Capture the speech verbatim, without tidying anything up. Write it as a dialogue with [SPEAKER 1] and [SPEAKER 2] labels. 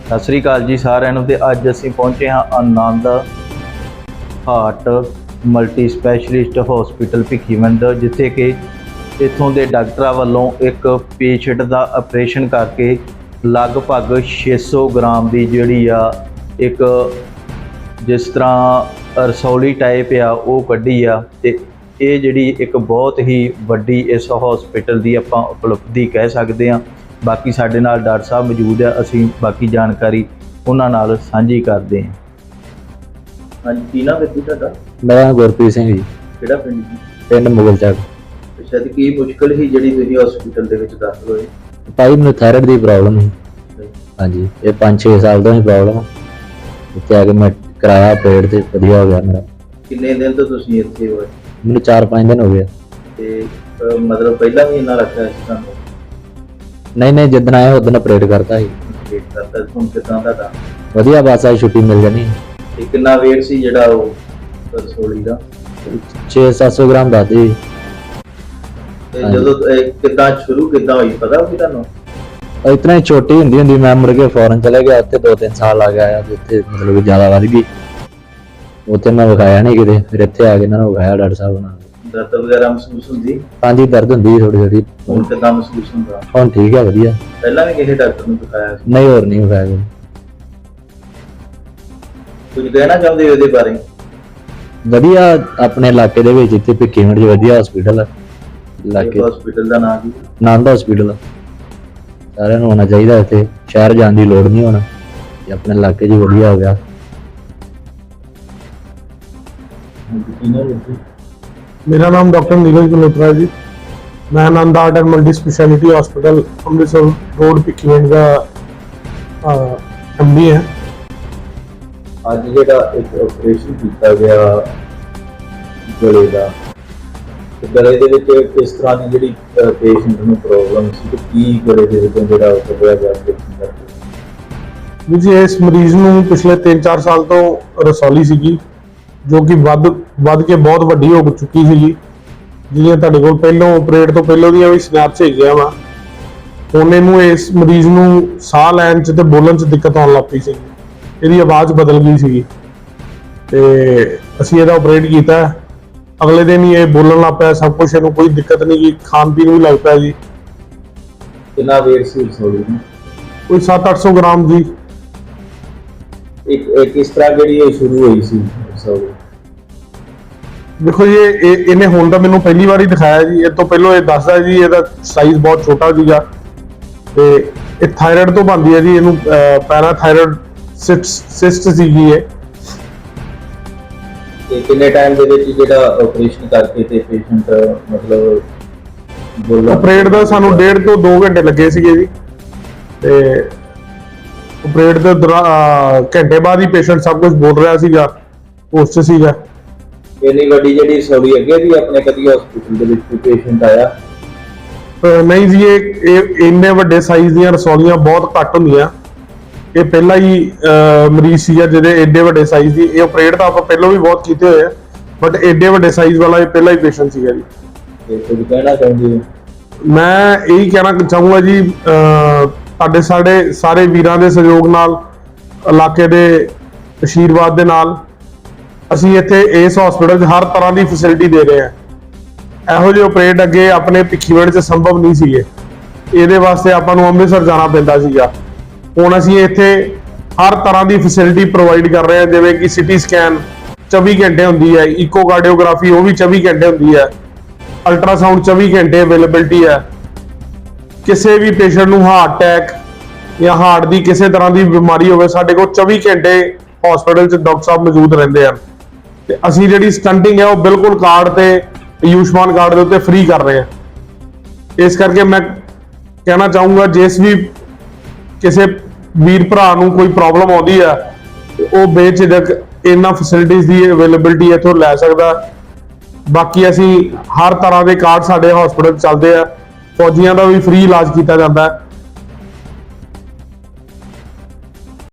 [SPEAKER 1] ਸਤਿ ਸ੍ਰੀ ਅਕਾਲ ਜੀ ਸਾਰਿਆਂ ਨੂੰ। ਤੇ ਅੱਜ ਅਸੀਂ ਪਹੁੰਚੇ ਹਾਂ Anand heart multi specialist hospital Bhikhiwind, ਜਿੱਥੇ ਕਿ ਇੱਥੋਂ ਦੇ ਡਾਕਟਰਾਂ ਵੱਲੋਂ ਇੱਕ ਪੇਸ਼ੈਂਟ ਦਾ ਆਪਰੇਸ਼ਨ ਕਰਕੇ ਲਗਭਗ ਛੇ ਸੌ ਗ੍ਰਾਮ ਦੀ ਜਿਹੜੀ ਆ ਇੱਕ ਜਿਸ ਤਰ੍ਹਾਂ ਰਸੌਲੀ ਟਾਈਪ ਆ ਉਹ ਕੱਢੀ ਆ। ਤੇ ਇਹ ਜਿਹੜੀ ਇੱਕ ਬਹੁਤ ਹੀ ਵੱਡੀ ਇਸ ਹਸਪੀਟਲ ਦੀ ਆਪਾਂ ਉਪਲਬਧੀ ਕਹਿ ਸਕਦੇ ਹਾਂ। ਬਾਕੀ ਸਾਡੇ ਨਾਲ ਡਾਕਟਰ ਸਾਹਿਬ ਮੌਜੂਦ ਆ, ਅਸੀਂ ਬਾਕੀ ਜਾਣਕਾਰੀ ਉਹਨਾਂ ਨਾਲ ਸਾਂਝੀ ਕਰਦੇ ਹਾਂ। ਹਾਂਜੀ, ਕੀ ਨਾਮ ਹੈ ਤੁਹਾਡਾ?
[SPEAKER 2] ਮੇਰਾ ਨਾਮ ਗੁਰਪ੍ਰੀਤ ਸਿੰਘ ਜੀ।
[SPEAKER 1] ਕਿਹੜਾ ਪਿੰਡ ਜੀ?
[SPEAKER 2] ਪਿੰਡ ਮੁਗਲ ਚੱਕ।
[SPEAKER 1] ਅੱਛਾ, ਤੇ ਕੀ ਮੁਸ਼ਕਲ ਸੀ ਜਿਹੜੀ ਤੁਸੀਂ ਹਸਪੀਟਲ ਦੇ ਵਿੱਚ ਦਾਖਲ ਹੋਏ?
[SPEAKER 2] ਭਾਈ ਮੈਨੂੰ ਥਾਇਰਾਇਡ ਦੀ ਪ੍ਰੋਬਲਮ ਸੀ। ਹਾਂਜੀ, ਇਹ ਪੰਜ ਛੇ ਸਾਲ ਤੋਂ ਹੀ ਪ੍ਰੋਬਲਮ। ਇੱਥੇ ਆ ਕੇ ਮੈਂ ਕਰਾਇਆ ਪੇਟ ਤੇ ਵਧੀਆ ਹੋ ਗਿਆ ਮੇਰਾ।
[SPEAKER 1] ਕਿੰਨੇ ਦਿਨ ਤੋਂ ਤੁਸੀਂ ਇੱਥੇ ਹੋਏ?
[SPEAKER 2] ਮੈਨੂੰ ਚਾਰ ਪੰਜ ਦਿਨ ਹੋ ਗਏ।
[SPEAKER 1] ਤੇ ਅਹ, ਮਤਲਬ ਪਹਿਲਾਂ ਵੀ ਇੰਨਾ ਰੱਖਿਆ ਸੀ ਤੁਹਾਨੂੰ?
[SPEAKER 2] ਨਹੀਂ ਨਹੀਂ, ਜਿੱਦਣ ਆਇਆ ਉਦੋਂ ਆਪਰੇਟ ਕਰਤਾ ਸੀ।
[SPEAKER 1] ਵੇਟ ਕਰਦਾ ਹੁਣ ਕਿਦਾਂ ਦਾ ਤਾਂ
[SPEAKER 2] ਵਧੀਆ, ਬਸ ਆਈ ਛੁੱਟੀ ਮਿਲ ਜਾਣੀ।
[SPEAKER 1] ਤੇ ਕਿੰਨਾ ਵੇਟ ਸੀ ਜਿਹੜਾ ਉਹ ਰਸੋਲੀ ਦਾ?
[SPEAKER 2] ਛੇ ਸੱਤ ਸੌ ਗ੍ਰਾਮ ਦੱਸਦੀ।
[SPEAKER 1] ਤੇ ਜਦੋਂ ਇਹ ਕਿੱਦਾਂ ਸ਼ੁਰੂ ਕਿੱਦਾਂ ਹੋਈ ਪਤਾ ਕਿ ਤੁਹਾਨੂੰ?
[SPEAKER 2] ਇਤਨਾ ਹੀ ਛੋਟੀ ਹੁੰਦੀ ਹੁੰਦੀ ਮੈਂ ਮੁੜ ਕੇ ਫੌਰਨ ਚਲੇ ਗਿਆ। ਉੱਥੇ ਦੋ ਤਿੰਨ ਸਾਲ ਆ ਗਿਆ, ਜਿੱਥੇ ਮਤਲਬ ਜ਼ਿਆਦਾ ਵੱਧ ਗਈ। ਉੱਥੇ ਮੈਂ ਵਿਖਾਇਆ ਨਹੀਂ ਕਿਤੇ, ਫਿਰ ਇੱਥੇ ਆ ਕੇ ਇਹਨਾਂ ਨੂੰ ਵਿਖਾਇਆ ਡਾਕਟਰ ਸਾਹਿਬ ਨਾਲ।
[SPEAKER 1] ਦਰਦ ਵਗੈਰਾ ਮਹਿਸੂਸ ਹੁੰਦੀ?
[SPEAKER 2] ਹਾਂਜੀ, ਦਰਦ ਹੁੰਦੀ ਥੋੜੀ ਥੋੜੀ।
[SPEAKER 1] ਹੁਣ ਕਿੱਦਾਂ ਮਹਿਸੂਸ ਹੁੰਦਾ?
[SPEAKER 2] ਹੁਣ ਠੀਕ ਹੈ, ਵਧੀਆ।
[SPEAKER 1] ਪਹਿਲਾਂ ਵੀ ਕਿਸੇ ਡਾਕਟਰ ਨੂੰ ਦਿਖਾਇਆ ਸੀ?
[SPEAKER 2] ਨਹੀਂ, ਹੋਰ ਨਹੀਂ ਵਿਖਾਇਆ।
[SPEAKER 1] ਕੁਝ ਕਹਿਣਾ ਚਾਹੁੰਦੇ ਹੋ ਇਹਦੇ ਬਾਰੇ?
[SPEAKER 2] ਵਧੀਆ, ਆਪਣੇ ਇਲਾਕੇ ਦੇ ਵਿੱਚ ਇੱਥੇ ਭਿੱਖੀਵਿੰਡ 'ਚ ਵਧੀਆ ਹਸਪੀਟਲ ਹੈ। ਇਲਾਕੇ
[SPEAKER 1] ਹਸਪੀਟਲ ਦਾ ਨਾਮ ਕੀ?
[SPEAKER 2] ਆਨੰਦ ਹਸਪੀਟਲ। ਸਾਰਿਆਂ ਨੂੰ ਆਉਣਾ ਚਾਹੀਦਾ, ਇੱਥੇ ਸ਼ਹਿਰ ਜਾਣ ਦੀ ਲੋੜ ਨਹੀਂ ਹੋਣਾ, ਤੇ ਆਪਣੇ ਇਲਾਕੇ 'ਚ ਵਧੀਆ ਹੋ ਗਿਆ।
[SPEAKER 3] मेरा नाम डॉक्टर नीरज मल्होत्रा है जी। मैं Anand heart and multi speciality hospital Amritsar road Bhikhiwind ਦਾ एमडी है।
[SPEAKER 1] ਅੱਜ ਜਿਹੜਾ ਇੱਕ ਆਪਰੇਸ਼ਨ ਕੀਤਾ ਗਿਆ ਗਲੇ ਦਾ, ਤੇ ਗਲੇ ਦੇ ਵਿੱਚ ਕਿਸ ਤਰ੍ਹਾਂ ਦੀ ਜਿਹੜੀ ਪੇਸ਼ੈਂਟ ਨੂੰ ਪ੍ਰੋਬਲਮ ਸੀ ਤੇ ਕੀ ਗਲੇ ਦੇ ਵਿੱਚ ਜਿਹੜਾ ਉਹ ਕੱਢਿਆ ਗਿਆ ਆਪਰੇਸ਼ਨ ਕਰਕੇ?
[SPEAKER 3] ਜੀ, ਇਸ ਮਰੀਜ਼ ਨੂੰ ਪਿਛਲੇ ਤਿੰਨ ਚਾਰ ਸਾਲ ਤੋਂ ਰਸੌਲੀ ਸੀਗੀ, ਜੋ ਕਿ ਵੱਧ ਵੱਧ ਕੇ ਬਹੁਤ ਵੱਡੀ ਹੋ ਚੁੱਕੀ ਸੀਗੀ। ਜਿਹੜੀਆਂ ਤੁਹਾਡੇ ਕੋਲ ਪਹਿਲੋਂ ਆਪਰੇਟ ਤੋਂ ਪਹਿਲੋਂ ਦੀਆਂ ਵੀ ਸਨੈਪਸ ਹੈਗੀਆਂ ਵਾ। ਹੁਣ ਇਹਨੂੰ ਇਸ ਮਰੀਜ਼ ਨੂੰ ਸਾਹ ਲੈਣ 'ਚ ਤੇ ਬੋਲਣ 'ਚ ਦਿੱਕਤ ਆਉਣ ਲੱਗ ਪਈ ਸੀ। ਇਹਦੀ ਆਵਾਜ਼ ਬਦਲ ਗਈ ਸੀਗੀ ਤੇ ਅਸੀਂ ਇਹਦਾ ਆਪਰੇਟ ਕੀਤਾ। ਅਗਲੇ ਦਿਨ ਹੀ ਇਹ ਬੋਲਣ ਲੱਗ ਪਿਆ, ਸਭ ਕੁਝ। ਇਹਨੂੰ ਕੋਈ ਦਿੱਕਤ ਨਹੀਂ ਗਈ, ਖਾਣ ਪੀਣ ਵੀ ਲੱਗ ਪਿਆ ਜੀ।
[SPEAKER 1] ਕਿੰਨਾ ਵੇਟ ਸੀ ਰਸੌਲੀ ਦਾ? ਕੋਈ
[SPEAKER 3] ਸੱਤ ਅੱਠ ਸੌ ਗ੍ਰਾਮ ਜੀ।
[SPEAKER 1] ਇੱਕ ਕਿਸ ਤਰ੍ਹਾਂ ਜਿਹੜੀ ਇਹ ਸ਼ੁਰੂ ਹੋਈ ਸੀ ਰਸੌਲੀ?
[SPEAKER 3] ਦੇਖੋ ਜੀ, ਇਹ ਇਹਨੇ ਹੁਣ ਤਾਂ ਮੈਨੂੰ ਪਹਿਲੀ ਵਾਰ ਹੀ ਦਿਖਾਇਆ ਜੀ। ਇਹ ਤੋਂ ਪਹਿਲਾਂ ਇਹ ਦੱਸਦਾ ਜੀ ਇਹਦਾ ਸਾਈਜ਼ ਬਹੁਤ ਛੋਟਾ ਸੀਗਾ ਤੇ ਇਹ ਥਾਇਰਾਇਡ ਤੋਂ ਬਣਦੀ ਹੈ ਜੀ। ਇਹਨੂੰ ਪੈਰਾਥਾਇਰਾਇਡ ਸਿਸਟ ਸੀਗੀ ਇਹ।
[SPEAKER 1] ਤੇ ਕਿੰਨੇ ਟਾਈਮ ਦੇ ਵਿੱਚ ਜਿਹੜਾ ਆਪਰੇਸ਼ਨ ਕਰਕੇ ਤੇ ਪੇਸ਼ੈਂਟ ਮਤਲਬ ਬੋਲਣਾ?
[SPEAKER 3] ਆਪਰੇਟ ਦਾ ਸਾਨੂੰ ਡੇਢ ਤੋਂ ਦੋ ਘੰਟੇ ਲੱਗੇ ਸੀਗੇ ਜੀ। ਤੇ ਆਪਰੇਟ ਦੇ ਘੰਟੇ ਬਾਅਦ ਹੀ ਪੇਸ਼ੈਂਟ ਸਭ ਕੁਝ ਬੋਲ ਰਿਹਾ ਸੀਗਾ, ਉਸ 'ਚ ਸੀਗਾ।
[SPEAKER 1] ਇੰਨੀ ਵੱਡੀ ਜਿਹੜੀ ਰਸੌਲੀ ਅੱਗੇ ਵੀ ਆਪਣੇ ਕਦੀ ਹਸਪੀਟਲ ਦੇ ਵਿੱਚ ਕੋਈ ਪੇਸ਼ੈਂਟ ਆਇਆ?
[SPEAKER 3] ਨਹੀਂ ਜੀ, ਇਹ ਇੰਨੇ ਵੱਡੇ ਸਾਈਜ਼ ਦੀਆਂ ਰਸੌਲੀਆਂ ਬਹੁਤ ਘੱਟ ਹੁੰਦੀਆਂ। ਇਹ ਪਹਿਲਾ ਹੀ ਮਰੀਜ਼ ਸੀਗਾ ਜਿਹਦੇ ਏਡੇ ਵੱਡੇ ਸਾਈਜ਼ ਦੀ। ਇਹ ਆਪਰੇਟ ਤਾਂ ਆਪਾਂ ਪਹਿਲਾਂ ਵੀ ਬਹੁਤ ਕੀਤੇ ਹੋਏ ਆ, ਬਟ ਏਡੇ ਵੱਡੇ ਸਾਈਜ਼ ਵਾਲਾ ਇਹ ਪਹਿਲਾ ਹੀ ਪੇਸ਼ੈਂਟ ਸੀਗਾ ਜੀ।
[SPEAKER 1] ਤੇ ਕੁਝ ਕਹਿਣਾ ਚਾਹੁੰਦੇ ਹੋ?
[SPEAKER 3] ਮੈਂ ਇਹੀ ਕਹਿਣਾ ਚਾਹੂੰਗਾ ਜੀ, ਤੁਹਾਡੇ ਸਾਡੇ ਸਾਰੇ ਵੀਰਾਂ ਦੇ ਸਹਿਯੋਗ ਨਾਲ, ਇਲਾਕੇ ਦੇ ਆਸ਼ੀਰਵਾਦ ਦੇ ਨਾਲ ਅਸੀਂ ਇੱਥੇ ਇਸ ਹਸਪੀਟਲ 'ਚ ਹਰ ਤਰ੍ਹਾਂ ਦੀ ਫੈਸਿਲਿਟੀ ਦੇ ਰਹੇ ਹਾਂ। ਇਹੋ ਜਿਹੇ ਆਪਰੇਟ ਅੱਗੇ ਆਪਣੇ ਭਿੱਖੀਵਿੰਡ 'ਚ ਸੰਭਵ ਨਹੀਂ ਸੀਗੇ। ਇਹਦੇ ਵਾਸਤੇ ਆਪਾਂ ਨੂੰ ਅੰਮ੍ਰਿਤਸਰ ਜਾਣਾ ਪੈਂਦਾ ਸੀਗਾ। ਹੁਣ ਅਸੀਂ ਇੱਥੇ ਹਰ ਤਰ੍ਹਾਂ ਦੀ ਫੈਸਿਲਿਟੀ ਪ੍ਰੋਵਾਈਡ ਕਰ ਰਹੇ ਹਾਂ, ਜਿਵੇਂ ਕਿ ਸਿਟੀ ਸਕੈਨ ਚੌਵੀ ਘੰਟੇ ਹੁੰਦੀ ਹੈ, ਇਕੋਕਾਰਡੀਓਗ੍ਰਾਫੀ ਉਹ ਵੀ ਚੌਵੀ ਘੰਟੇ ਹੁੰਦੀ ਹੈ, ਅਲਟਰਾਸਾਊਂਡ ਚੌਵੀ ਘੰਟੇ ਅਵੇਲੇਬਿਲਟੀ ਹੈ। ਕਿਸੇ ਵੀ ਪੇਸ਼ੈਂਟ ਨੂੰ ਹਾਰਟ ਅਟੈਕ ਜਾਂ ਹਾਰਟ ਦੀ ਕਿਸੇ ਤਰ੍ਹਾਂ ਦੀ ਬਿਮਾਰੀ ਹੋਵੇ, ਸਾਡੇ ਕੋਲ ਚੌਵੀ ਘੰਟੇ ਹਸਪੀਟਲ 'ਚ ਡਾਕਟਰ ਸਾਹਿਬ ਮੌਜੂਦ ਰਹਿੰਦੇ ਹਨ। ਤੇ ਅਸੀਂ ਜਿਹੜੀ ਸਟੰਟਿੰਗ ਹੈ ਉਹ ਬਿਲਕੁਲ ਕਾਰਡ ਤੇ ਆਯੁਸ਼ਮਾਨ ਕਾਰਡ ਦੇ ਉੱਤੇ ਫ੍ਰੀ ਕਰ ਰਹੇ ਹਾਂ। ਇਸ ਕਰਕੇ ਮੈਂ ਕਹਿਣਾ ਚਾਹੂੰਗਾ, ਜਿਸ ਵੀ ਕਿਸੇ ਵੀਰ ਭਰਾ ਨੂੰ ਕੋਈ ਪ੍ਰੋਬਲਮ ਆਉਂਦੀ ਹੈ ਉਹ ਬੇਝਿਜਕ ਇਹਨਾਂ ਫੈਸਿਲਿਟੀਜ਼ ਦੀ ਅਵੇਲੇਬਿਲਟੀ ਇੱਥੋਂ ਲੈ ਸਕਦਾ। ਬਾਕੀ ਅਸੀਂ ਹਰ ਤਰ੍ਹਾਂ ਦੇ ਕਾਰਡ ਸਾਡੇ ਹਸਪੀਟਲ ਚੱਲਦੇ ਆ। ਫੌਜੀਆਂ ਦਾ ਵੀ ਫ੍ਰੀ ਇਲਾਜ ਕੀਤਾ ਜਾਂਦਾ ਹੈ।